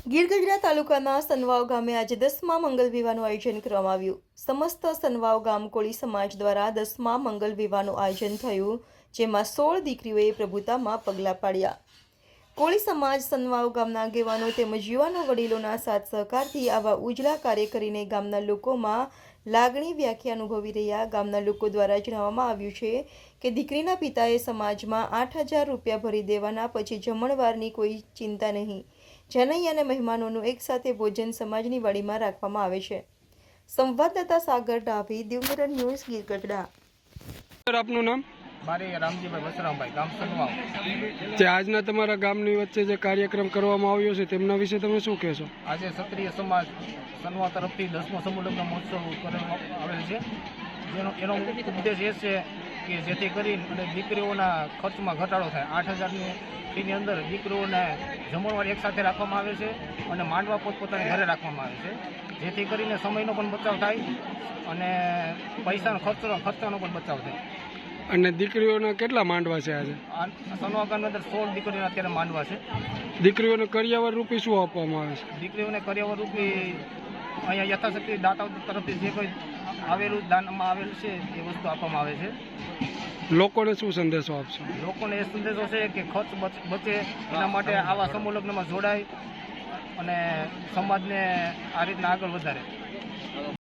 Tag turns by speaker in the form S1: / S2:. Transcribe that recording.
S1: ગીર ગઢડા તાલુકાના સનવાવ ગામે આજે 10મા મંગલ વિવાહનું આયોજન કરવામાં આવ્યું। સમસ્ત સનવાવ ગામ કોળી સમાજ દ્વારા 10મા મંગલ વિવાહનું આયોજન થયું, જેમાં 16 દીકરીઓએ પ્રભુતામાં પગલાં પાડ્યા। કોળી સમાજ સનવાવ ગામના આગેવાનો તેમજ યુવાનો વડીલોના સાથ સહકારથી આવા ઉજળા કાર્ય કરીને ગામના લોકોમાં લાગણી વ્યાખ્યા અનુભવી રહ્યા। ગામના લોકો દ્વારા જણાવવામાં આવ્યું છે કે દીકરીના પિતાએ સમાજમાં 8,000 રૂપિયા ભરી દેવાના, પછી જમણવારની કોઈ ચિંતા નહીં। જનૈયા અને મહેમાનોનું એકસાથે ભોજન સમાજની વાડીમાં રાખવામાં આવે છે। સંવાદદાતા Sagar Dabhi, Div Mirror news, Gir Gadhada.
S2: Sir, આપનું નામ?
S3: મારે રામજીભાઈ બસરામભાઈ, ગામ સનવાવ।
S2: જે આજના તમારા ગામની વચ્ચે જે કાર્યક્રમ કરવામાં આવ્યો છે તેમના વિશે તમે શું કહેશો?
S3: આજે ક્ષત્રિય સમાજ સનવાવ તરફથી 10મો સમૂહ લગ્ન મહોત્સવ કરવામાં આવેલ છે, એનો ઉદ્દેશ એ છે કે જેથી કરીને દીકરીઓના ખર્ચમાં ઘટાડો થાય। 8,000ની ફીની અંદર દીકરીઓને જમણવાર એકસાથે રાખવામાં આવે છે અને માંડવા પોતપોતાની ઘરે રાખવામાં આવે છે, જેથી કરીને સમયનો પણ બચાવ થાય અને પૈસાનો ખર્ચાનો પણ બચાવ થાય।
S2: અને દીકરીઓના કેટલા માંડવા છે આજે?
S3: સનવાવ ગામની અંદર 16 દીકરીઓના અત્યારે માંડવા છે।
S2: દીકરીઓને કરિયાવર રૂપી શું આપવામાં આવે છે?
S3: દીકરીઓને કરિયાવર રૂપી અહીંયા યથાશક્તિ દાતાઓ તરફથી જે કોઈ આવેલું દાનમાં આવેલું છે એ વસ્તુ આપવામાં આવે છે।
S2: લોકોને શું સંદેશો આપશો?
S3: લોકોને એ સંદેશો છે કે ખર્ચ બચે એના માટે આવા સમૂહ લગ્નમાં જોડાય અને સમાજને આ રીતના આગળ વધારે।